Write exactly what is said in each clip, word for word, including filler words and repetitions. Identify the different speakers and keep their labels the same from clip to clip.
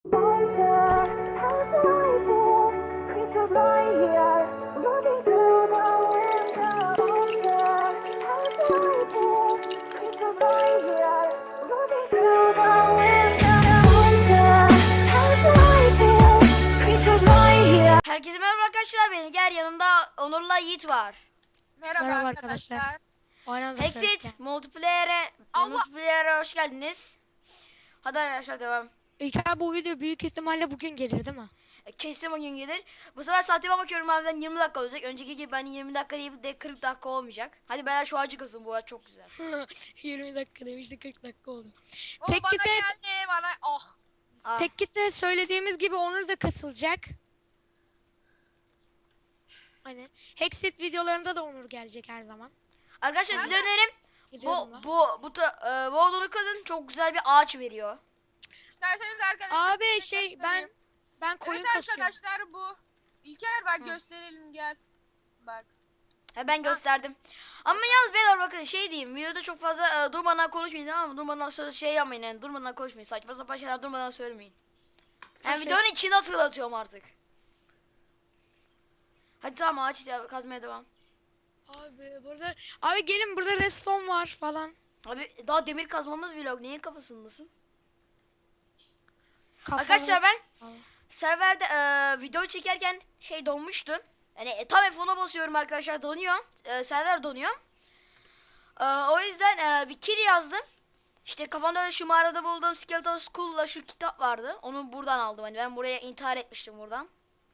Speaker 1: Herkese merhaba arkadaşlar, beni gel yanımda Onur'la Yiğit var.
Speaker 2: Merhaba,
Speaker 3: Merhaba
Speaker 2: arkadaşlar.
Speaker 3: arkadaşlar. Oynadı
Speaker 1: Hexit multiplayer'e
Speaker 2: Allah!
Speaker 1: multiplayer'e hoş geldiniz. Hadi arkadaşlar devam.
Speaker 3: İlker bu video büyük ihtimalle bugün gelir değil mi?
Speaker 1: E, Kesin bugün gelir. Bu sefer saatime bakıyorum, harbiden yirmi dakika olacak. Önceki gibi ben yirmi dakika değil de kırk dakika olmayacak. Hadi beyler şu ağacı kazın, bu ağaç çok güzel.
Speaker 3: yirmi dakika demişti, kırk dakika oldu.
Speaker 2: O
Speaker 3: Tek
Speaker 2: bana
Speaker 3: gite,
Speaker 2: geldi bana. Oh.
Speaker 1: Aa,
Speaker 3: tek gite söylediğimiz gibi Onur da katılacak. Hani Hexit videolarında da Onur gelecek her zaman.
Speaker 1: Arkadaşlar size önerim bu
Speaker 3: Gidiyorum lan.
Speaker 1: bu bu ta, e, bu odunu kazın, çok güzel bir ağaç veriyor.
Speaker 2: İsterseniz arkadaşlar.
Speaker 3: Abi
Speaker 2: size
Speaker 3: şey ben
Speaker 2: göstereyim.
Speaker 3: ben koyun
Speaker 2: Evet
Speaker 3: kasıyorum.
Speaker 2: arkadaşlar bu. İlker bak
Speaker 3: Hı.
Speaker 2: gösterelim gel. Bak.
Speaker 1: He, ben gösterdim. Ama yalnız beyler bakın şey diyeyim, videoda çok fazla e, durmadan konuşmayın, tamam mı? Durmadan söz şey yapmayın, yani durmadan konuşmayın, saçma sapan şeyler durmadan söylemeyin. Yani
Speaker 3: Şey-
Speaker 1: videonun içinde hatırlatıyorum artık. Hadi tamam, ağaç ya- kazmaya devam.
Speaker 3: Abi burada abi gelin, burada redstone var falan.
Speaker 1: Abi daha demir kazmamız bile yok, neyin kafasındasın?
Speaker 3: Kafalı-
Speaker 1: Arkadaşlar ben
Speaker 3: Aa.
Speaker 1: serverde e, video çekerken şey donmuştu. Yani e, tam F ona basıyorum arkadaşlar, donuyor. E, server donuyor. E, o yüzden e, bir kill yazdım. İşte kafamda da şu mağarada bulduğum Skeleton School'la şu kitap vardı. Onu buradan aldım. Hani ben buraya intihar etmiştim buradan.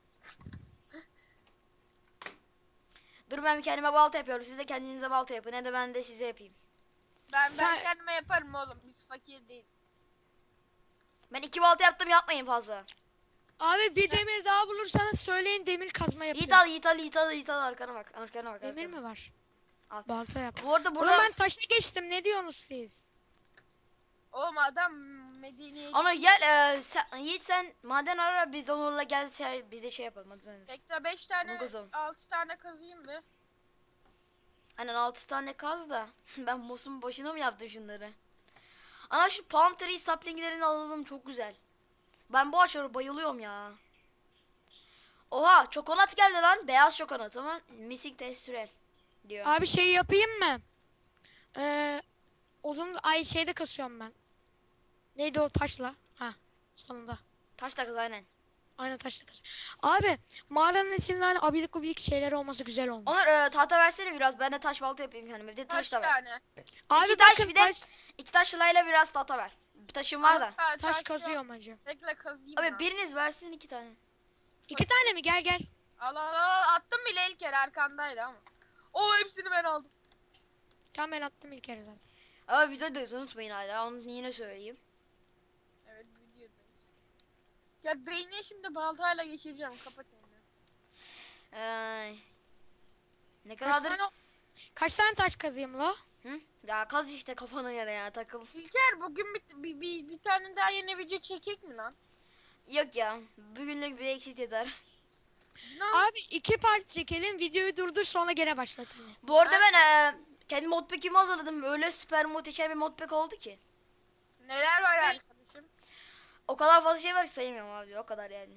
Speaker 1: Dur, ben kendime balta yapıyorum. Siz de kendinize balta yapın. Ne de ben de size yapayım.
Speaker 2: Ben ben
Speaker 3: Sen-
Speaker 2: kendime yaparım oğlum. Biz fakir değiliz.
Speaker 1: Ben iki balta yaptım, yapmayın fazla.
Speaker 3: Abi bir demir daha bulursanız söyleyin, demir kazma
Speaker 1: Yiğit
Speaker 3: yapıyorum.
Speaker 1: al, Yiğit al, Yiğit al, Yiğit al. Arkana bak, arkana bak.
Speaker 3: Demir
Speaker 1: arkana.
Speaker 3: mi var?
Speaker 1: Al.
Speaker 3: Balta yap.
Speaker 1: Bu arada
Speaker 3: Oğlum
Speaker 1: burada...
Speaker 3: ben taşla geçtim, ne diyorsunuz siz?
Speaker 2: Oğlum adam Medine'ye
Speaker 1: Ama gel e, sen, Yiğit sen maden ara, biz de Onur'la gel şey, biz de şey yapalım. Hadi sen.
Speaker 2: Bekle beş tane
Speaker 1: Onu kazalım.
Speaker 2: altı tane kazıyım be.
Speaker 1: Aynen, altı tane kaz da. Ben boss'un başına mı yaptım şunları? Ana şu palm tree saplinglerini alalım, çok güzel. Ben bu ağaçlara bayılıyorum ya. Oha, çokonat geldi lan. Beyaz çokonat ama missing texture diyor.
Speaker 3: Abi şey yapayım mı? Ee, uzun ay şeyde kasıyorum ben. Neydi o taşla? Ha, sonunda.
Speaker 1: Taş da kız, aynen.
Speaker 3: Aynen taşla kasıyorum. Abi mağaranın içinde hani abidik gubidik şeyler olması güzel olmuş.
Speaker 1: Onur e, tahta versene biraz. Ben de taş balta yapayım kendime. Bir de taş
Speaker 2: Kaç
Speaker 1: da ver.
Speaker 2: tane?
Speaker 3: Abi
Speaker 1: İki taş,
Speaker 3: bakın
Speaker 1: bir de
Speaker 3: taş,
Speaker 1: iki taş layla biraz tahta ver. Bir taşım var da.
Speaker 2: Ha,
Speaker 3: taş
Speaker 2: yok.
Speaker 3: kazıyorum hacı.
Speaker 2: Bekle kazıyım.
Speaker 1: Abi
Speaker 2: ya.
Speaker 1: biriniz versin iki tane.
Speaker 3: İki tane mi? Gel gel.
Speaker 2: Al al al attım bile İlker arkandaydı ama. O hepsini ben aldım.
Speaker 3: Tamam, ben attım ilk kere zaten.
Speaker 1: Ama videoda unutmayın hala. Onu yine söyleyeyim.
Speaker 2: Evet videodayız. Ya beynine şimdi baltayla geçireceğim. Kapat elini.
Speaker 1: Ay. Ne
Speaker 3: Kaç
Speaker 1: kadardır?
Speaker 3: tane, kaç tane taş kazıyım la?
Speaker 1: Hı? Ya kaz işte kafana göre ya, takıl.
Speaker 2: İlker bugün bir, bir, bir, bir tane daha yeni video çekek mi lan?
Speaker 1: Yok ya. Bugünlük bir eksik yeter.
Speaker 2: Ne?
Speaker 3: Abi iki part çekelim, videoyu durdur, sonra gene başlat hani.
Speaker 1: Bu arada ben e, kendi modpack'imi hazırladım. Öyle süper muhteşem bir modpack oldu ki.
Speaker 2: Neler var arkadaşım?
Speaker 1: O kadar fazla şey var ki sayamıyorum abi. O kadar yani.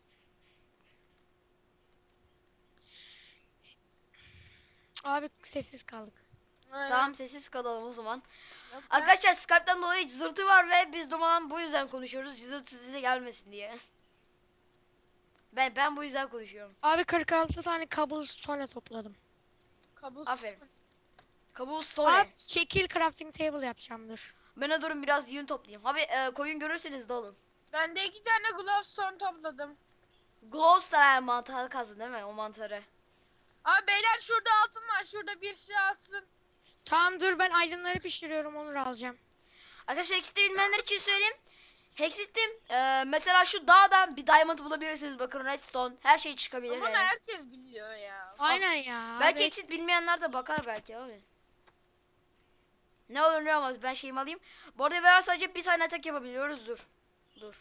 Speaker 3: Abi sessiz kaldık.
Speaker 2: Aynen.
Speaker 1: Tamam, sessiz kalalım o zaman.
Speaker 2: Yok be.
Speaker 1: Arkadaşlar Skype'den dolayı cızırtı var ve biz durmadan bu yüzden konuşuyoruz. Cızırtı size gelmesin diye. Ben ben bu yüzden konuşuyorum.
Speaker 3: Abi kırk altı tane cobblestone topladım.
Speaker 2: Kabus.
Speaker 1: Aferin. Cobblestone.
Speaker 3: Abi şekil crafting table yapacağım, dur.
Speaker 1: Ben de durun biraz yün toplayayım. Abi e, koyun görürseniz dalın.
Speaker 2: Ben de iki tane glowstone topladım.
Speaker 1: Glowstone mantarı kazın değil mi? O mantarı.
Speaker 2: Abi beyler şurada altın var. Şurada bir şey alsın.
Speaker 3: Tamam dur, ben aydınları pişiriyorum, onu alacağım.
Speaker 1: Arkadaşlar Hexit'i bilmeyenler için söyleyeyim. Hexit'te e, mesela şu dağdan bir diamond bulabilirsiniz. Bakın redstone her şey çıkabilir.
Speaker 2: Ama
Speaker 1: yani.
Speaker 2: herkes biliyor ya.
Speaker 3: Aynen ya.
Speaker 1: Belki
Speaker 3: abi.
Speaker 1: Hexit bilmeyenler de bakar belki abi. Ne olur ne olmaz, ben şeyimi alayım. Bu arada ben sadece bir tane atak yapabiliyoruz. Dur. Dur.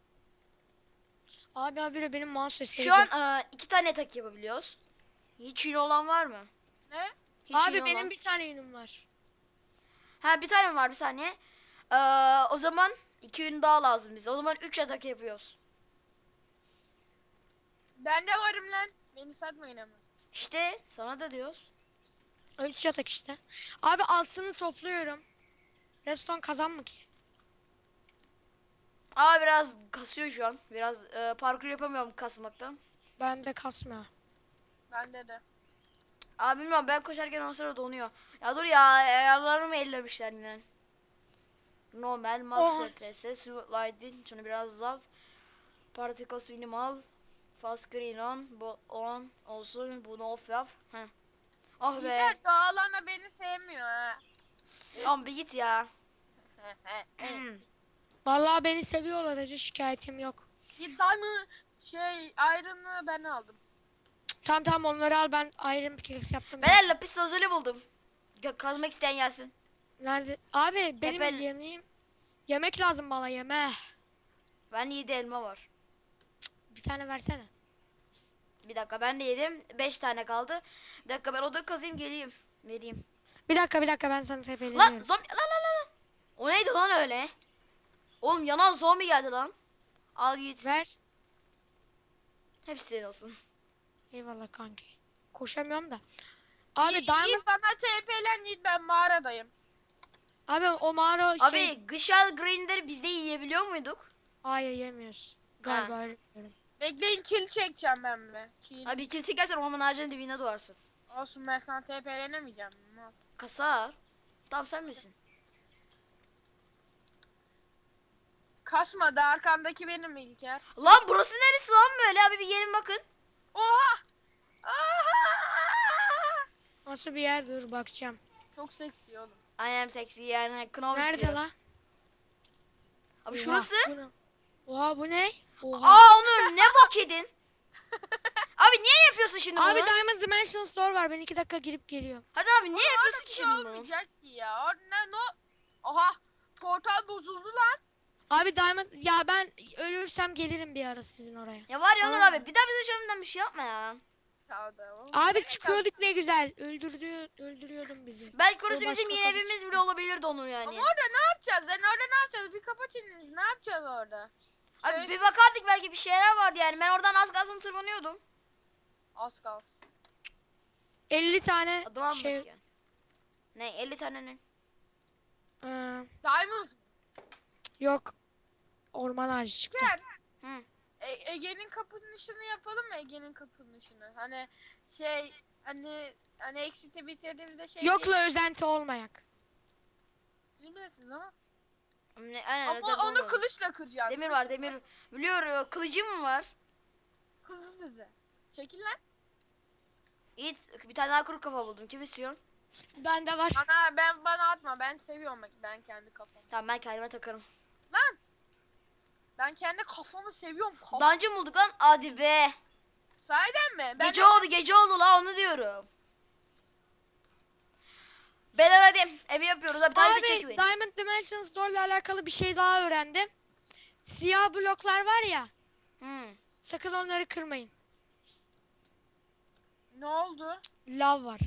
Speaker 3: Abi abi benim mouse sesi.
Speaker 1: Şu an e, iki tane atak yapabiliyoruz. Hiç yün olan var mı?
Speaker 2: Ne?
Speaker 1: Hiç
Speaker 3: Abi
Speaker 1: yün
Speaker 3: benim
Speaker 1: olan.
Speaker 3: bir tane yünüm var.
Speaker 1: Ha, bir tane mi var, bir saniye. Ee, o zaman İki ün daha lazım bize. O zaman üç yatak yapıyoruz.
Speaker 2: Ben de varım lan. Beni satmayın ama.
Speaker 1: İşte sana da diyoruz.
Speaker 3: Üç yatak işte. Abi altını topluyorum. Reston kazan mı ki?
Speaker 1: Aa biraz kasıyor şu an. Biraz e, parkur yapamıyorum kasmaktan.
Speaker 3: Ben de kasmıyor.
Speaker 2: Bende de.
Speaker 1: Abi bilmiyorum ben koşarken o sırada donuyor. Ya dur ya ayarlarımı ellemişler yine. Normal, max
Speaker 3: Oha.
Speaker 1: F P S, smooth lighting, şunu biraz az. Particles minimal. Fast screen on, bu on olsun, bunu off yap. Heh. Oh be.
Speaker 2: İlker dağlama beni sevmiyor ha.
Speaker 1: Lan bir git ya.
Speaker 3: Vallahi beni seviyorlar acı, şikayetim yok.
Speaker 2: Git diamond şey iron'ı ben aldım.
Speaker 3: Tamam tamam onları al, ben Iron Pickaxe yaptım.
Speaker 1: Ben lapis lazuli buldum. Gö- Kazmak isteyen gelsin.
Speaker 3: Nerede? Abi benim
Speaker 1: Tepel-
Speaker 3: yemeğim. Yemek lazım bana, yeme.
Speaker 1: Ben yedi elma var.
Speaker 3: Bir tane versene.
Speaker 1: Bir dakika ben de yedim. Beş tane kaldı. Bir dakika ben oda kazayım geleyim. Vereyim.
Speaker 3: Bir dakika bir dakika ben sana
Speaker 1: Lan
Speaker 3: tepeleniyorum.
Speaker 1: zombi lan lan lan. Lan. O neydi lan öyle? Oğlum yanan zombi geldi lan. Al git.
Speaker 3: Ver.
Speaker 1: Hepsi senin olsun.
Speaker 3: Eyvallah kanki. Koşamıyorum da. Abi
Speaker 2: Yiğit,
Speaker 3: diamond.
Speaker 2: Yiğit bana T P'len Yiğit, ben mağaradayım.
Speaker 3: Abi o mağara şey.
Speaker 1: Abi Gışal Green'leri biz de yiyebiliyor muyduk?
Speaker 3: Hayır yemiyoruz. Galiba öyle biliyorum.
Speaker 2: Bekleyin kill çekeceğim ben be. Kill.
Speaker 1: Abi kill çekersen orman ağacının dibine doğarsın.
Speaker 2: Olsun ben sana T P'lenemeyeceğim. Mal.
Speaker 1: Kasar. Tamam sen misin?
Speaker 2: Kasmadı, arkandaki benim İlker.
Speaker 1: Lan burası neresi lan böyle abi bir gelin bakın.
Speaker 2: Oha! Aha!
Speaker 3: Nasıl bir yer, dur bakacağım.
Speaker 2: Çok seksi oğlum.
Speaker 1: I am sexy yani Knovik
Speaker 3: Nerede
Speaker 1: diyor.
Speaker 3: la?
Speaker 1: Abi
Speaker 3: Oha,
Speaker 1: şurası.
Speaker 3: bu ne? Oha bu ne? Oha.
Speaker 1: Aa Onur ne bok yedin? Abi niye yapıyorsun şimdi
Speaker 3: Abi
Speaker 1: bunu?
Speaker 3: Diamond Dimension Store var. Ben iki dakika girip geliyorum.
Speaker 1: Hadi abi niye yapıyorsun ki
Speaker 2: Bir şey
Speaker 1: şimdi bunu?
Speaker 2: olmayacak ki ya. O ne no? Oha! Portal bozuldu lan.
Speaker 3: Abi Diamond ya ben ölürsem gelirim bir ara sizin oraya.
Speaker 1: Ya var ya Onur
Speaker 3: Tamam.
Speaker 1: abi bir daha bize şöyle bir şey yapma ya.
Speaker 2: Sağ ol.
Speaker 3: Abi çıkıyorduk ne güzel. Öldürdü öldürüyordun bizi.
Speaker 1: Belki orası
Speaker 3: O
Speaker 1: bizim
Speaker 3: başka
Speaker 1: yeni
Speaker 3: konu
Speaker 1: evimiz
Speaker 3: çıktı.
Speaker 1: bile olabilirdi Onur yani.
Speaker 2: Ama orada ne yapacağız? Lan orada ne yapacağız? Bir kapat elinizi. Ne yapacağız orada?
Speaker 1: Abi
Speaker 2: Şey-
Speaker 1: bir bakardık belki bir şeyler vardı yani. Ben oradan az kalsın tırmanıyordum.
Speaker 2: Az kalsın.
Speaker 3: elli tane
Speaker 1: Adıma
Speaker 3: şey
Speaker 1: bak ya. Ne elli tane ne?
Speaker 3: ıı,
Speaker 2: Diamond.
Speaker 3: yok. Orman ağacı çıktı.
Speaker 2: Gel.
Speaker 1: Hı.
Speaker 2: E- Ege'nin kapanışını yapalım mı Ege'nin kapanışını? Hani şey hani hani exit'i bitirdiğimizde şey
Speaker 3: Yokla özenti olmayak.
Speaker 2: Siz bilirsiniz ama.
Speaker 1: Ne, aynen,
Speaker 2: Ama
Speaker 1: özel
Speaker 2: onu
Speaker 1: olmadı.
Speaker 2: kılıçla kıracağım.
Speaker 1: Demir var demir. Biliyorum kılıcım mı var?
Speaker 2: Kılıç size. Çekil lan.
Speaker 1: İyi bir tane daha kuru kafa buldum. Kim istiyor?
Speaker 3: Bende var.
Speaker 2: Bana ben bana atma. Ben seviyorum bak ben kendi kafamı.
Speaker 1: Tamam ben kendime takarım.
Speaker 2: Lan. Ben kendi kafamı seviyorum. Kaf
Speaker 1: Dungeon bulduk lan. Hadi be.
Speaker 2: Sahiden mi? Ben
Speaker 1: Gece oldu gece oldu la onu diyorum. Beyler hadi evi yapıyoruz. Abi tanesi
Speaker 3: Abi
Speaker 1: çek beni.
Speaker 3: Diamond Dimension Store ile alakalı bir şey daha öğrendim. Siyah bloklar var ya.
Speaker 1: Hmm.
Speaker 3: Sakın onları kırmayın.
Speaker 2: ne oldu?
Speaker 3: Lav var.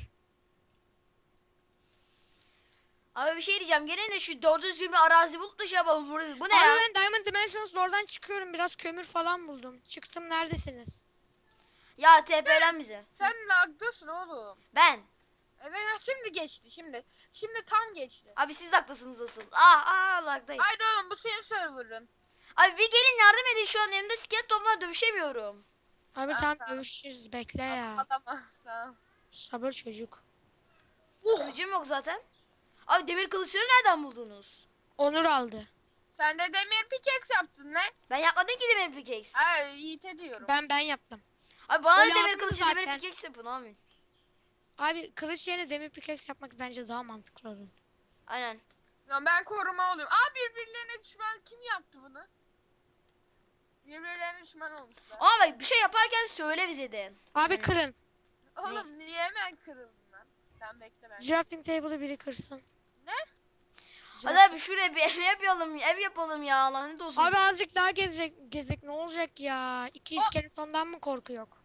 Speaker 1: Abi bir şey diyeceğim. Gene de şu doğru düzgün bir arazi bulup da şey yapalım. Burası. Bu ne
Speaker 3: Abi
Speaker 1: ya?
Speaker 3: ben Diamond Dimension Store'dan çıkıyorum. Biraz kömür falan buldum. Çıktım, neredesiniz?
Speaker 1: Ya T P'len bize.
Speaker 2: Sen lagdasın oğlum.
Speaker 1: Ben.
Speaker 2: Evet ha, şimdi geçti şimdi. Şimdi tam geçti.
Speaker 1: Abi siz de haklısınız asıl. Aa aa lagdayım.
Speaker 2: Haydi oğlum bu senin server'ın.
Speaker 1: Abi bir gelin yardım edin şu an elimde skeleton var dövüşemiyorum.
Speaker 3: Abi
Speaker 2: Ah,
Speaker 3: tamam
Speaker 2: tamam.
Speaker 3: görüşürüz. Bekle ya.
Speaker 2: Adama. Tamam.
Speaker 3: Sabır çocuk.
Speaker 1: Kılıcım yok zaten. Abi demir kılıçları nereden buldunuz?
Speaker 3: Onur aldı.
Speaker 2: Sen de demir pickaxe yaptın lan.
Speaker 1: Ben yapmadım ki demir pickaxe.
Speaker 2: Hayır Yiğit'e diyorum.
Speaker 3: Ben ben yaptım.
Speaker 1: Abi bana
Speaker 3: O
Speaker 1: da demir
Speaker 3: lazımdı
Speaker 1: kılıcı
Speaker 3: zaten.
Speaker 1: demir pickaxe yapın abi.
Speaker 3: Abi kılıç yerine demir pickaxe yapmak bence daha mantıklı olur.
Speaker 1: Aynen.
Speaker 2: Ya ben koruma oluyorum. Aa birbirlerine düşman kim yaptı bunu? Birbirlerine düşman olmuşlar.
Speaker 1: Ama bak bir şey yaparken söyle bize de.
Speaker 3: Abi
Speaker 1: Evet.
Speaker 3: kırın.
Speaker 2: Oğlum niye hemen kırıldın lan? Sen bekle ben.
Speaker 3: Crafting table'ı biri kırsın.
Speaker 2: Ne?
Speaker 1: Hadi abi şuraya bir ev yapalım, ev yapalım ya lanet olsun.
Speaker 3: Abi azıcık daha gezecek, gezek ne olacak ya? İki
Speaker 2: O-
Speaker 3: iskeletondan mı korku yok?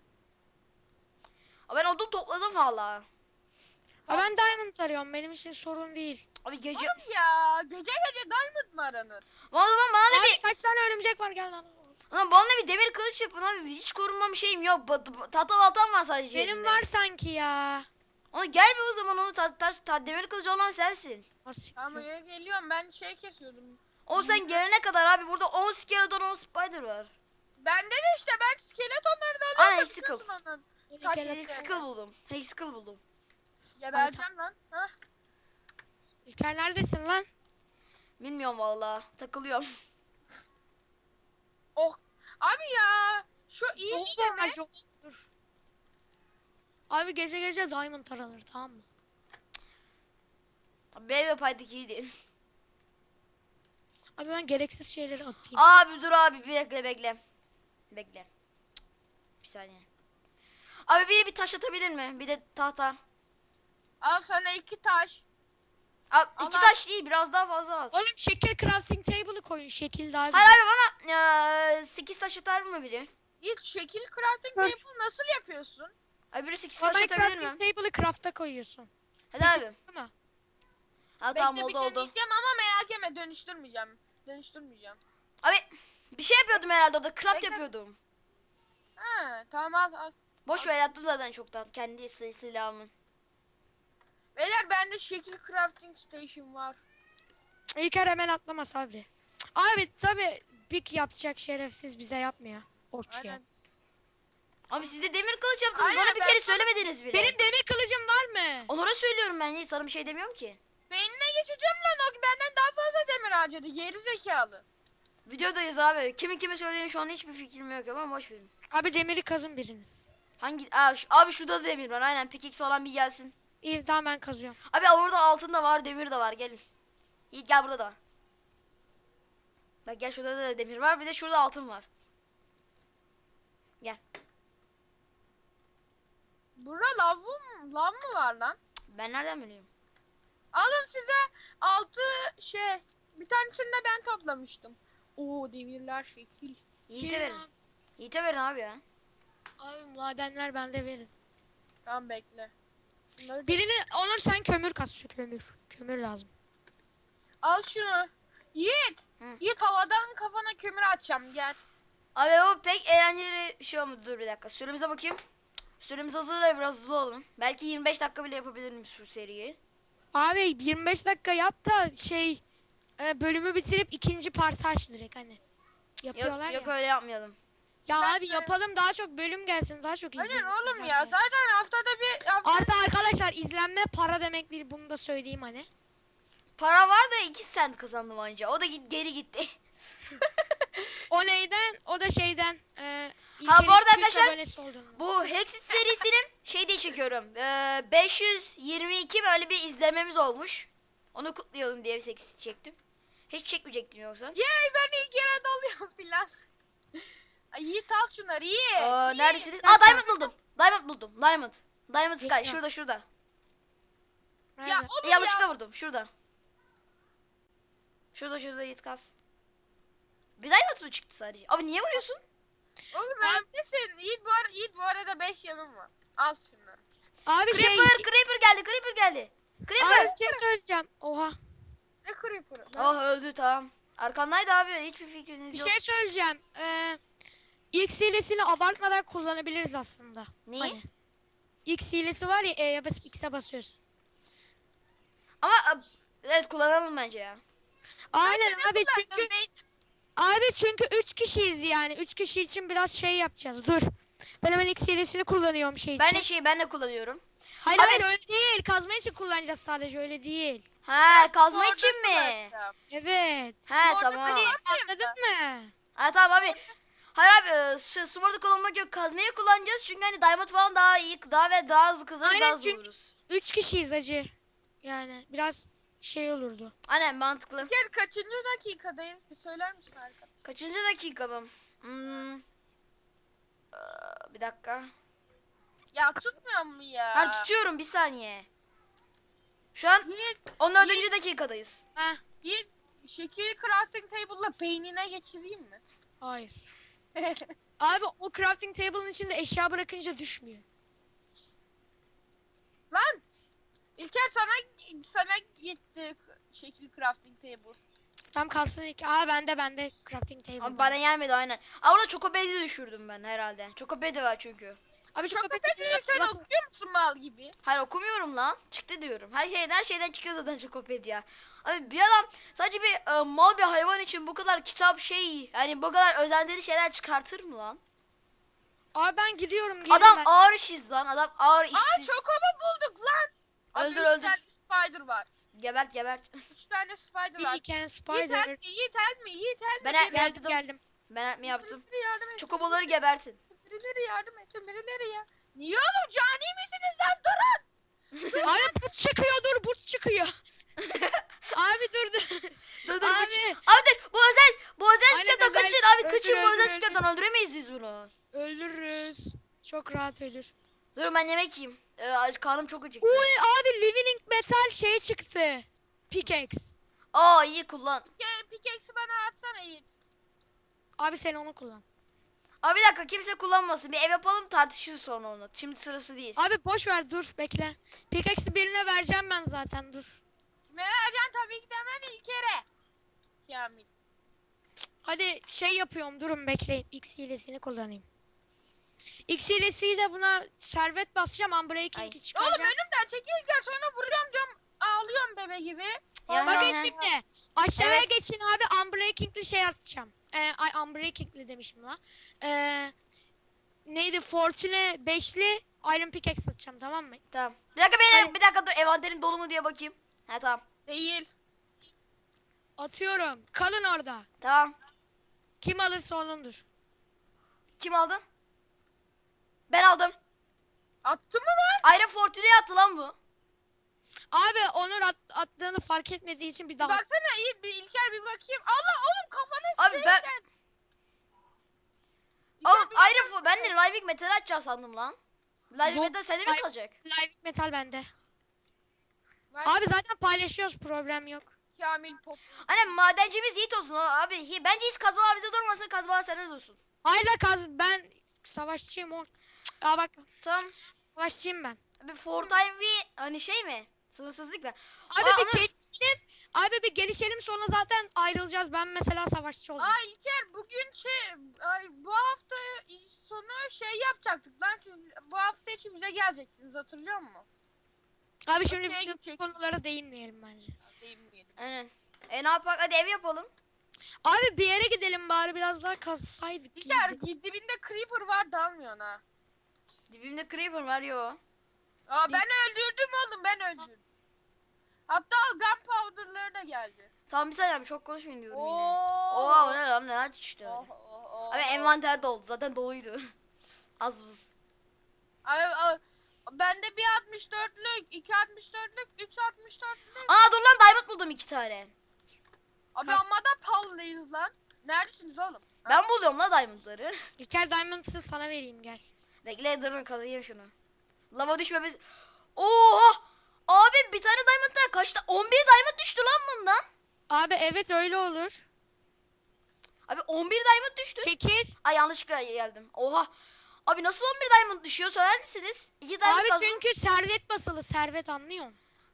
Speaker 1: Abi ben odun topladım valla.
Speaker 3: Abi ben diamond arıyorum, benim için sorun değil.
Speaker 1: Abi gece...
Speaker 2: Oğlum ya gece gece diamond mı aranır?
Speaker 1: O zaman bana da
Speaker 3: Abi
Speaker 1: bir...
Speaker 3: kaç tane örümcek var gel lan.
Speaker 1: Ulan bana da bir demir kılıç yapın abi. Hiç korunmam şeyim yok. Ba- ba- Tahta baltam var sadece
Speaker 3: Benim
Speaker 1: elimde.
Speaker 3: var sanki ya.
Speaker 1: Onu gel bir o zaman onu ta, ta, ta- demir kılıcı olan sensin.
Speaker 3: Nasıl?
Speaker 2: Tamam oraya geliyorum ben şey kesiyordum.
Speaker 1: O sen gelene kadar abi burada on skeleton on spider var.
Speaker 2: Bende de işte ben skeletonları da
Speaker 1: Ana
Speaker 2: alıyorum.
Speaker 1: Hexical.
Speaker 2: biliyorsun onların.
Speaker 3: Kaç tane-
Speaker 1: Hexical buldum. Hexical buldum.
Speaker 2: Gebereceğim lan. Hah.
Speaker 3: İlker neredesin lan?
Speaker 1: Bilmiyorum valla. Takılıyorum.
Speaker 2: Oh. Abi ya. Şu iyi
Speaker 3: Çok
Speaker 2: değil
Speaker 3: normal
Speaker 2: mi?
Speaker 3: çok. Dur. Abi gece gece diamond aranır tamam mı?
Speaker 1: Abi benim paydık iyi değil.
Speaker 3: Abi ben gereksiz şeyleri atayım.
Speaker 1: Abi dur abi bir bekle bekle. Bekle. Bir saniye. Abi biri bir taş atabilir mi? Bir de tahta.
Speaker 2: Al sana iki taş.
Speaker 1: Abi
Speaker 2: Allah.
Speaker 1: iki taş değil biraz daha fazla az.
Speaker 3: Oğlum şekil crafting table'ı koyun şekil daha güzel.
Speaker 1: Hayır abi bana eee, sekiz taş atar mı biri?
Speaker 2: İlk şekil crafting
Speaker 3: Dur.
Speaker 2: table nasıl yapıyorsun?
Speaker 1: Abi biri sekiz
Speaker 3: Bana
Speaker 1: taş atabilir mi?
Speaker 3: crafting table'ı craft'a koyuyorsun.
Speaker 1: Hadi
Speaker 3: Sekiz
Speaker 1: abi.
Speaker 3: değil mi?
Speaker 1: Ha
Speaker 2: Bekle
Speaker 1: tamam
Speaker 2: bir
Speaker 1: oldu oldu.
Speaker 2: deneyeceğim ama merak etme dönüştürmeyeceğim. Dönüştürmeyeceğim.
Speaker 1: Abi bir şey yapıyordum herhalde orada craft
Speaker 2: Bekle.
Speaker 1: yapıyordum.
Speaker 2: Ha tamam al al.
Speaker 1: Boş ver yaptım zaten çoktan kendi sil- silahımın.
Speaker 2: Beyler bende şekil crafting station var.
Speaker 3: İlker hemen atlama Sabri. Abi tabi pik yapacak şerefsiz bize yapmıyor. Orç ya.
Speaker 2: Aynen.
Speaker 1: Abi siz de demir kılıç yaptınız
Speaker 2: Aynen,
Speaker 1: bana bir
Speaker 2: ben
Speaker 1: kere
Speaker 2: sana-
Speaker 1: söylemediniz bile.
Speaker 3: Benim demir kılıcım var mı?
Speaker 1: Onlara söylüyorum ben niye sana bir şey demiyorum ki.
Speaker 2: Beynine geçeceğim lan o benden daha fazla demir harcadı. Geri zekalı.
Speaker 1: Videodayız abi. Kimin kime söylediğini şu an hiçbir fikrim yok ama boş verin.
Speaker 3: Abi demiri kazın biriniz.
Speaker 1: Hangi Aa, şu, abi şurada da demir var aynen pickaxe olan bir gelsin.
Speaker 3: İyi tamam ben kazıyorum.
Speaker 1: Abi orada altın da var demir de var gelin. Yiğit gel burada da var. Bak gel şurada da demir var bir de şurada altın var. Gel.
Speaker 2: Bura lav mı, lav mı var lan?
Speaker 1: Ben nereden biliyorum?
Speaker 2: Alın size altı şey. Bir tanesini de ben toplamıştım. Oo demirler şekil.
Speaker 1: Yiğit'e
Speaker 3: Gelin
Speaker 1: verin.
Speaker 3: abi.
Speaker 1: Yiğit'e verin abi ya.
Speaker 3: Abi madenler bende verin.
Speaker 2: Tamam bekle. Şunları da-
Speaker 3: Birini Onur sen kömür kas şu kömür. Kömür lazım.
Speaker 2: Al şunu. Yiğit.
Speaker 1: Hı.
Speaker 2: Yiğit havadan kafana kömür atacağım gel.
Speaker 1: Abi o pek eğlenceli bir şey olmadı. Dur bir dakika. Süremize bakayım. Süremiz hazır da biraz hızlı olun. Belki yirmi beş dakika bile yapabilirim şu seriyi.
Speaker 3: Abi yirmi beş dakika yap da şey e, bölümü bitirip ikinci partı aç direkt hani. Yapıyorlar
Speaker 1: Yok, yok
Speaker 3: ya.
Speaker 1: öyle yapmayalım.
Speaker 3: Ya
Speaker 2: Ben
Speaker 3: abi
Speaker 2: de-
Speaker 3: yapalım daha çok bölüm gelsin daha çok izleyin.
Speaker 2: Aynen oğlum ya.
Speaker 3: izlenme.
Speaker 2: Zaten haftada bir haftada
Speaker 3: Artı arkadaşlar izlenme para demek değil bunu da söyleyeyim hani.
Speaker 1: Para var da iki sent kazandım anca. O da git, geri gitti.
Speaker 3: O neyden? O da şeyden. E,
Speaker 1: Ha, bu arada
Speaker 3: İlker'in Twitch
Speaker 1: arkadaşlar,
Speaker 3: abonesi olduğundan.
Speaker 1: Bu Hexit serisinin şey diye çekiyorum. Ee, beş yüz yirmi iki böyle bir izlememiz olmuş. Onu kutlayalım diye bir Hexit çektim. Hiç çekmeyecektim yoksa.
Speaker 2: Yey ben ilk yere dalıyorum filan. Ay Yiğit al şunları Yiğit.
Speaker 1: Aa,
Speaker 2: Yiğit.
Speaker 1: neredesiniz?
Speaker 3: Nerede?
Speaker 1: Aa Diamond buldum. Diamond buldum. Diamond. Diamond Sky.
Speaker 3: Bekle.
Speaker 1: Şurada şurada.
Speaker 3: Nerede?
Speaker 2: Ya oğlum
Speaker 1: Yanlışlıkla
Speaker 2: ya.
Speaker 1: vurdum. Şurada. Şurada şurada Yiğit kas. Bir Diamond mı çıktı sadece? Abi niye vuruyorsun?
Speaker 2: Oğlum neredesin? Yiğit bu, ara, Yiğit bu arada beş yanım var. Al şunları.
Speaker 3: Abi şey.
Speaker 1: Creeper, Creeper geldi. Creeper geldi. Creeper.
Speaker 3: Abi bir şey söyleyeceğim. Oha.
Speaker 2: Ne creeper'ı?
Speaker 1: Oh öldü tamam. Arkandaydı abi. Hiçbir fikriniz
Speaker 3: Bir
Speaker 1: yok.
Speaker 3: şey söyleyeceğim. Ee, X hilesini abartmadan kullanabiliriz aslında.
Speaker 1: Neyi?
Speaker 3: Hani. X hilesi var ya E'ye basıp X'e basıyorsun.
Speaker 1: Ama a- evet kullanalım bence ya.
Speaker 3: Aynen
Speaker 2: Ne
Speaker 3: abi
Speaker 2: kullandın
Speaker 3: çünkü
Speaker 2: be?
Speaker 3: abi çünkü üç kişiyiz yani. üç kişi için biraz şey yapacağız. Dur. Ben hemen X hilesini kullanıyorum şey için.
Speaker 1: Ben de şeyi ben de kullanıyorum.
Speaker 3: Hayır
Speaker 1: Abi-
Speaker 3: hayır öyle değil. Kazma için kullanacağız sadece öyle değil.
Speaker 1: Ha kazma
Speaker 2: Orada
Speaker 1: için mi?
Speaker 2: kullanacağım.
Speaker 3: Evet.
Speaker 1: He
Speaker 2: Orada
Speaker 1: tamam.
Speaker 3: Hani
Speaker 2: kullan-
Speaker 3: anladın mı?
Speaker 1: Ha tamam abi. Hayır abi e, şu Smurf'da kullanmak yok. Kazmayı kullanacağız çünkü hani diamond falan daha iyi daha ve daha hızlı kazarız
Speaker 3: Aynen,
Speaker 1: daha hızlı
Speaker 3: çünkü-
Speaker 1: vururuz.
Speaker 3: üç kişiyiz acı. Yani biraz şey olurdu.
Speaker 1: Aynen mantıklı.
Speaker 2: Gel kaçıncı dakikadayız? Bir söyler misin arkadaşlar?
Speaker 1: Kaçıncı dakika mı? Hmm. Ee, bir dakika.
Speaker 2: Ya tutmuyor mu ya?
Speaker 1: Ha tutuyorum bir saniye. Şu an
Speaker 2: Yiğit,
Speaker 1: on dördüncü dakikadayız.
Speaker 3: Ha,
Speaker 2: Yiğit şekil crafting table'la beynine geçireyim mi?
Speaker 3: hayır. Abi o crafting table'ın içinde eşya bırakınca düşmüyor.
Speaker 2: Lan! İlker sana sana gitti şekil crafting table.
Speaker 3: Tam kalsın iki. Aa bende bende crafting table.
Speaker 1: Abi bana gelmedi aynen. Aa orada Chocobed'i düşürdüm ben herhalde. Chocobed'i var çünkü.
Speaker 3: Abi çok
Speaker 2: Çok
Speaker 3: köpek
Speaker 2: öpedi sen
Speaker 3: zaten-
Speaker 2: okuyor musun mal gibi?
Speaker 1: Hayır okumuyorum lan. Çıktı diyorum. Her şeyden her şeyden çıkıyor zaten Chocopedi ya. Abi bir adam sadece bir e, mal bir hayvan için bu kadar kitap şey yani bu kadar özentili şeyler çıkartır mı lan?
Speaker 3: Abi ben gidiyorum. gelin
Speaker 1: Adam
Speaker 3: ben.
Speaker 1: ağır işsiz lan. Adam ağır
Speaker 2: Aa
Speaker 1: işsiz.
Speaker 2: çokobo bulduk lan. Abi
Speaker 1: Öldür,
Speaker 2: üç
Speaker 1: öldür.
Speaker 2: tane spider var.
Speaker 1: Gebert gebert.
Speaker 2: Üç tane spider var.
Speaker 3: We can
Speaker 2: Yiğit
Speaker 3: spider.
Speaker 2: help me, Yiğit help me, Yiğit help me.
Speaker 1: Ben-
Speaker 2: Birileri
Speaker 1: ben-
Speaker 3: Geldim geldim.
Speaker 1: Ben mi yaptım?
Speaker 2: yardım et.
Speaker 1: Çokoboları gebertin.
Speaker 2: Birileri yardım etsin, birileri ya. Niye oğlum cani misiniz lan durun.
Speaker 3: Abi burt çıkıyor dur burt çıkıyor. Abi dur dur.
Speaker 1: Dur dur
Speaker 3: Abi.
Speaker 1: Abi dur bu özel bu özel
Speaker 3: Aynen,
Speaker 1: skeleton
Speaker 3: özel-
Speaker 1: kaçın abi
Speaker 3: öldür,
Speaker 1: kaçın bu
Speaker 3: öldür,
Speaker 1: özel
Speaker 3: öldür.
Speaker 1: skeleton öldüremeyiz biz bunu.
Speaker 3: Öldürürüz. Çok rahat ölür.
Speaker 1: Dur ben yemek yiyeyim. Ee, karnım çok acıktı.
Speaker 3: Uy abi living metal şey çıktı. Pickaxe.
Speaker 1: Aa iyi kullan.
Speaker 2: Ya pickaxe'i bana atsana Yiğit.
Speaker 3: Abi sen onu kullan.
Speaker 1: Abi bir dakika kimse kullanmasın. Bir ev yapalım tartışırız sonra onu. Şimdi sırası değil.
Speaker 3: Abi boş ver dur bekle. Pickaxe'i birine vereceğim ben zaten dur.
Speaker 2: Kime vereceksin tabii ki de hemen İlker'e. Kamil.
Speaker 3: Hadi şey yapıyorum durun bekleyin. X hilesini kullanayım. X hilesiyle buna servet basacağım.
Speaker 1: Ay.
Speaker 3: Unbreaking'i
Speaker 2: Oğlum
Speaker 3: çıkaracağım.
Speaker 2: önümden çekil İlker sonra vuruyorum diyorum. Ağlıyorum bebe gibi.
Speaker 1: Ya,
Speaker 3: Bakın
Speaker 1: ya, ya.
Speaker 3: şimdi aşağıya
Speaker 1: Evet.
Speaker 3: geçin abi Unbreaking'li şey atacağım. Ee, ay Unbreaking'li demişim la. Ee, neydi Fortune beşli Iron Pickaxe atacağım tamam mı?
Speaker 1: Tamam. Bir dakika bir,
Speaker 3: Hayır.
Speaker 1: bir dakika dur envanterim dolu mu diye bakayım. Ha tamam.
Speaker 2: Değil.
Speaker 3: Atıyorum. Kalın orada.
Speaker 1: Tamam.
Speaker 3: Kim alırsa onundur.
Speaker 1: Kim aldı? Ben aldım.
Speaker 2: Attı mı lan?
Speaker 1: Iron Fortune'ye attı lan bu.
Speaker 3: Abi Onur at, attığını fark etmediği için bir daha.
Speaker 2: Baksana Yiğit bir İlker bir bakayım. Allah oğlum kafana
Speaker 1: Abi
Speaker 2: şey
Speaker 1: ben-
Speaker 2: geldi.
Speaker 1: Oğlum
Speaker 2: İlker, bir
Speaker 1: Iron Fo- ben de Living Metal açacağım sandım lan. Living
Speaker 3: Yok,
Speaker 1: Metal sende mi
Speaker 3: Live-
Speaker 1: kalacak?
Speaker 3: Live metal bende.
Speaker 2: bak-
Speaker 3: Abi zaten paylaşıyoruz problem yok.
Speaker 2: Kamil pop.
Speaker 1: Anne madencimiz Yiğit olsun o- abi. Hi- Bence hiç kazmalar bize durmasın kazmalar sende dursun.
Speaker 3: Hayır la kaz ben savaşçıyım o. Cık, Aa bak
Speaker 1: Tamam.
Speaker 3: savaşçıyım ben.
Speaker 1: Abi for time ve hani şey mi? Sınırsızlık mı?
Speaker 3: Abi
Speaker 1: Aa,
Speaker 3: bir
Speaker 1: Onur-
Speaker 3: gelişelim. Abi bir gelişelim sonra zaten ayrılacağız. Ben mesela savaşçı olacağım.
Speaker 2: Aa İlker bugün şey ay, bu hafta sonu şey yapacaktık lan siz bu hafta içi bize geleceksiniz hatırlıyor musun?
Speaker 3: Abi şimdi
Speaker 2: Okey,
Speaker 3: bütün
Speaker 2: gidecek.
Speaker 3: konulara değinmeyelim bence.
Speaker 2: Değinmeyelim.
Speaker 1: Aynen. E ne yapak? Hadi ev yapalım.
Speaker 3: Abi bir yere gidelim bari biraz daha kazsaydık.
Speaker 2: İlker
Speaker 3: iyiydi.
Speaker 2: dibinde creeper var dalmıyorsun ha.
Speaker 1: Dibimde creeper var yo.
Speaker 2: Aa ben öldürdüm oğlum ben öldürdüm. Hatta gunpowder'ları da geldi.
Speaker 1: Tamam bir saniye abi çok konuşmayın diyorum yine.
Speaker 2: Oo.
Speaker 1: Oha o ne lan neler çıktı
Speaker 2: Oh,
Speaker 1: öyle.
Speaker 2: oh, oh,
Speaker 1: Abi
Speaker 2: oh.
Speaker 1: envanter doldu zaten doluydu. Az buz.
Speaker 2: Ay, ay, bende bir altmış dörtlük, iki altmış dörtlük, üç altmış dörtlük.
Speaker 1: Aa dur lan diamond buldum iki tane.
Speaker 2: Abi
Speaker 3: Kas-
Speaker 2: amma da pallıyız lan. Neredesiniz oğlum?
Speaker 1: Ben buluyorum la diamondları.
Speaker 3: İlker Diamond'sı sana vereyim gel.
Speaker 1: Bekle durun kazıyım şunu. Lava düşmemiz. Oha! Abi bir tane diamond'dan kaçta? on bir diamond düştü lan bundan.
Speaker 3: Abi evet öyle olur.
Speaker 1: Abi on bir diamond düştü.
Speaker 3: Çekil.
Speaker 1: Ay yanlışlıkla geldim. Oha. Abi nasıl on bir diamond düşüyor söyler misiniz? iki diamond
Speaker 3: Abi
Speaker 1: kazdım.
Speaker 3: çünkü servet basılı servet anlıyorsun.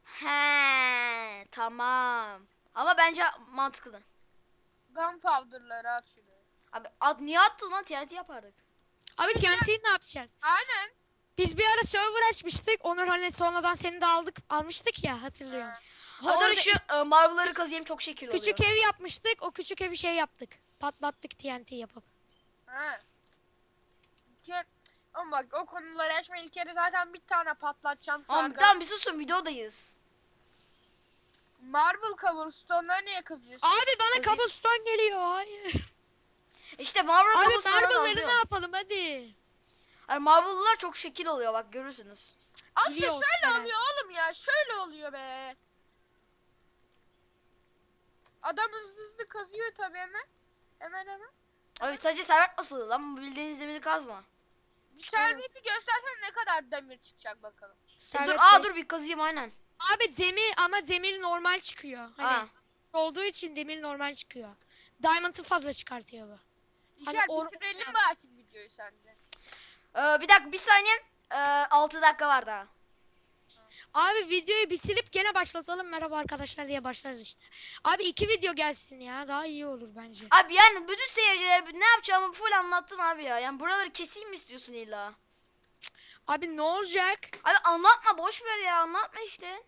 Speaker 1: He tamam. Ama bence mantıklı.
Speaker 2: Gunpowder'ları at şuraya.
Speaker 1: Abi at, niye attın lan? T N T yapardık.
Speaker 3: Abi T N T'yi ne yapacağız?
Speaker 2: Aynen.
Speaker 3: Biz bir ara server açmıştık. Onur hani sonradan seni de aldık almıştık ya hatırlıyorum.
Speaker 1: Ha, dur
Speaker 3: Orada
Speaker 1: şu e, marble'ları kazıyım çok şekil oluyor.
Speaker 3: küçük ev yapmıştık. O küçük evi şey yaptık. Patlattık T N T yapıp.
Speaker 2: Ha. İlker, ama bak o konuları açma İlker'e zaten bir tane patlatacağım şu
Speaker 1: Tamam,
Speaker 2: anda.
Speaker 1: tamam bir susun videodayız.
Speaker 2: Marble cobblestone'ları niye kazıyorsun?
Speaker 3: Abi bana
Speaker 1: Kazıyım.
Speaker 3: cobblestone geliyor. Hayır.
Speaker 1: İşte marble
Speaker 3: Abi
Speaker 1: cobblestone'u
Speaker 3: marble'ları ne
Speaker 1: kazıyorum.
Speaker 3: yapalım hadi.
Speaker 1: Yani marble'lar çok şekil oluyor bak görürsünüz.
Speaker 2: Asya
Speaker 3: Biliyoruz
Speaker 2: şöyle
Speaker 3: yani.
Speaker 2: oluyor oğlum ya. Şöyle oluyor be. Adam hızlı hızlı kazıyor tabii hemen. Hemen hemen.
Speaker 1: Abi sadece servet basılı lan bu bildiğiniz demiri kazma.
Speaker 2: Bir serveti göstersen ne kadar demir çıkacak bakalım.
Speaker 1: E,
Speaker 3: Servet
Speaker 1: dur
Speaker 3: Bey.
Speaker 1: aa dur bir kazıyım aynen.
Speaker 3: Abi demir ama demir normal çıkıyor. Hani
Speaker 1: Ha.
Speaker 3: olduğu için demir normal çıkıyor. Diamond'ı fazla çıkartıyor bu. Hani
Speaker 2: İlker
Speaker 3: or-
Speaker 2: bitirelim mi artık videoyu sence?
Speaker 1: Ee, bir dakika bir saniye. Ee, altı dakika var daha.
Speaker 3: Abi videoyu bitirip gene başlatalım merhaba arkadaşlar diye başlarız işte. Abi iki video gelsin ya daha iyi olur bence.
Speaker 1: Abi yani bütün seyircilere ne yapacağımı full anlattın abi ya. Yani buraları keseyim mi istiyorsun illa?
Speaker 3: Abi ne olacak?
Speaker 1: Abi anlatma, boş ver ya, anlatma işte.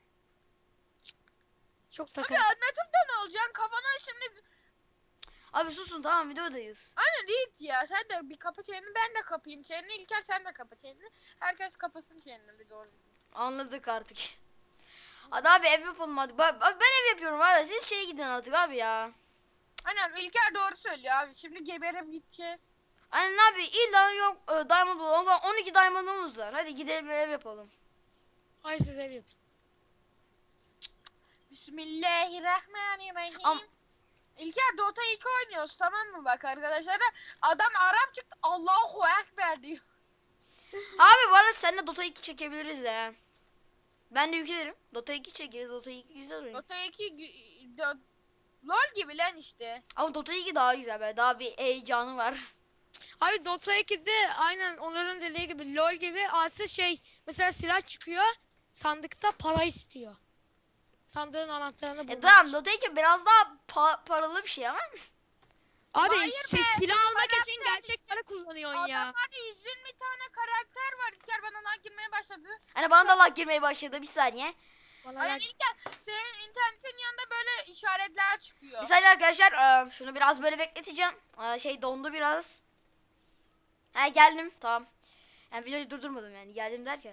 Speaker 3: Çok
Speaker 2: Abi
Speaker 3: takıl.
Speaker 2: anlatırda ne olacaksın? Kafana şimdi...
Speaker 1: Abi susun, tamam, videodayız.
Speaker 2: Aynen Yiğit ya. Sen de bir kapı çeneni, ben de kapayım çeneni. İlker sen de kapa çeneni. Herkes kapasın çeneni bir doğru.
Speaker 1: Anladık artık. Hadi abi ev yapalım hadi. Ba- ba- Ben ev yapıyorum hadi. Siz şeye gidin artık abi ya.
Speaker 2: Aynen İlker doğru söylüyor abi. Şimdi geberip gideceğiz.
Speaker 1: Aynen abi, illa yok e, diamond bulalım falan. on iki diamond'ımız var. Hadi gidelim ev yapalım.
Speaker 3: Ay siz ev yapın.
Speaker 2: Bismillahirrahmanirrahim.
Speaker 1: Am-
Speaker 2: İlker Dota iki oynuyoruz tamam mı bak arkadaşlar. Adam Arap çıktı Allahu Ekber diyor.
Speaker 1: Abi bu arada seninle Dota iki çekebiliriz de. ha. Ben de yüklerim. Dota iki çekeriz. Dota iki güzel oyun.
Speaker 2: Dota iki gü- do- LOL gibi lan işte.
Speaker 1: Ama Dota iki daha güzel be. Daha bir heyecanı var.
Speaker 3: Abi Dota ikide aynen onların dediği gibi LoL gibi artı şey mesela silah çıkıyor sandıkta para istiyor. Sandığın anahtarını bulmak
Speaker 1: E tamam,
Speaker 3: için.
Speaker 1: Dota iki biraz daha pa- paralı bir şey ama.
Speaker 3: Abi
Speaker 2: Hayır
Speaker 3: şey,
Speaker 2: be,
Speaker 3: silah almak
Speaker 2: para
Speaker 3: için gerçek para kullanıyorsun ya.
Speaker 2: Adamlarda yüz yirmi tane karakter var. İlker bana lan girmeye başladı.
Speaker 1: Hani bana da lag girmeye başladı, bir saniye.
Speaker 3: Bana
Speaker 2: Aynen
Speaker 3: ver.
Speaker 2: İlker senin internetin yanında böyle işaretler çıkıyor.
Speaker 1: Bir saniye arkadaşlar, e, şunu biraz böyle bekleteceğim. E, Şey dondu biraz. Ha geldim, tamam. Yani videoyu durdurmadım yani, geldim derken.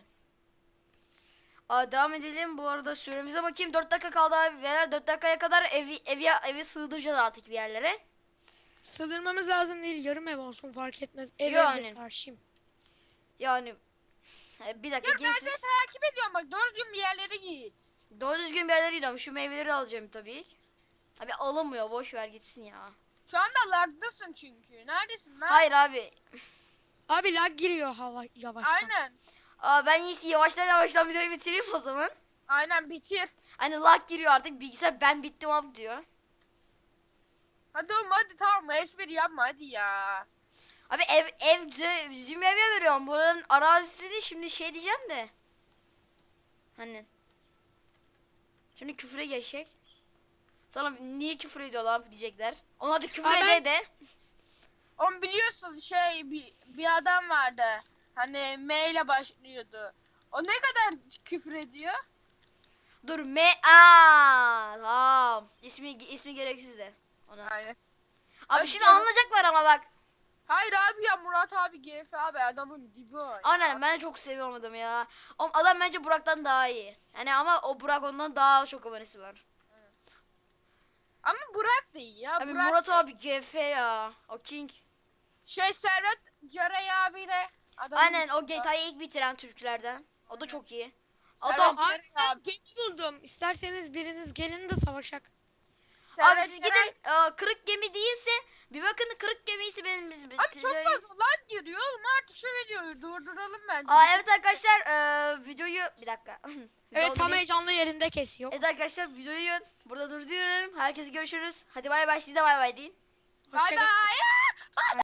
Speaker 1: Aa, devam edelim. Bu arada süremize bakayım. dört dakika kaldı abi. Beyler dört dakikaya kadar evi evi evi sığdıracağız artık bir yerlere.
Speaker 3: Sığdırmamız lazım değil yarım ev olsun fark etmez. Ev
Speaker 1: Yo,
Speaker 3: evde
Speaker 1: aynen.
Speaker 3: karşıyım.
Speaker 1: Yani e, bir dakika
Speaker 2: Dur ben de
Speaker 1: gençsiz.
Speaker 2: takip ediyorum bak doğru düzgün bir yerlere git.
Speaker 1: Doğru düzgün bir yerlere gidiyorum. Şu meyveleri alacağım tabii. Abi alınmıyor. Boş ver gitsin ya.
Speaker 2: Şu anda lagdasın çünkü. Neredesin lan?
Speaker 1: Hayır abi.
Speaker 3: Abi lag giriyor hava yavaştan.
Speaker 2: Aynen.
Speaker 1: Aa, ben iyisi yavaştan yavaştan videoyu bitireyim o zaman.
Speaker 2: Aynen bitir.
Speaker 1: Hani lag giriyor artık. Bilgisayar ben bittim abi diyor.
Speaker 2: Hadi oğlum hadi tamam espri yapma hadi ya.
Speaker 1: Abi ev ev bize- bizim eve veriyorum. Buranın arazisini şimdi şey diyeceğim de. Hani. Şimdi küfre geçecek. Sana niye küfür ediyor lan diyecekler. Ona da küfür
Speaker 3: Aa,
Speaker 1: ede
Speaker 3: ben-
Speaker 1: de.
Speaker 2: Oğlum biliyorsun şey bir, bir adam vardı. Hani M ile başlıyordu. O ne kadar küfür ediyor?
Speaker 1: Dur me aa tamam. İsmi ismi gereksiz de. Ona.
Speaker 2: Aynen.
Speaker 1: Abi
Speaker 2: Hadi
Speaker 1: şimdi
Speaker 2: canım.
Speaker 1: anlayacaklar ama bak.
Speaker 2: Hayır abi ya Murat abi G F abi adamın dibi o. ya.
Speaker 1: Aynen, ben çok seviyorum adamı ya. O adam bence Burak'tan daha iyi. Yani ama o Burak ondan daha çok abonesi var.
Speaker 2: Ama Burak da iyi ya.
Speaker 1: Abi
Speaker 2: Burak
Speaker 1: Murat
Speaker 2: da-
Speaker 1: abi G F ya. O King.
Speaker 2: Şey Serhat Caray abi de. Adamın
Speaker 1: Aynen, o G T A'yı ilk bitiren Türklerden. O da çok iyi.
Speaker 2: Serhat
Speaker 1: Adam
Speaker 2: Caray
Speaker 3: Abi ben
Speaker 2: abi.
Speaker 3: gemi buldum. İsterseniz biriniz gelin de savaşak.
Speaker 1: abi
Speaker 2: Serhat
Speaker 1: siz
Speaker 2: Caray-
Speaker 1: gidin, e, kırık gemi değilse bir bakın, kırık gemiyse benim biz
Speaker 2: Abi çok
Speaker 1: ticaret-
Speaker 2: fazla lan giriyor oğlum artık şu videoyu durduralım bence.
Speaker 1: Aa, evet arkadaşlar, e, videoyu bir dakika.
Speaker 3: Evet
Speaker 1: Video-
Speaker 3: tam heyecanlı yerinde kesiyor.
Speaker 1: Evet arkadaşlar, videoyu burada durduruyorum. Herkese görüşürüz. Hadi bay bay, siz de bay bay deyin.
Speaker 2: Bay
Speaker 3: Hoşça kalın.
Speaker 2: bay.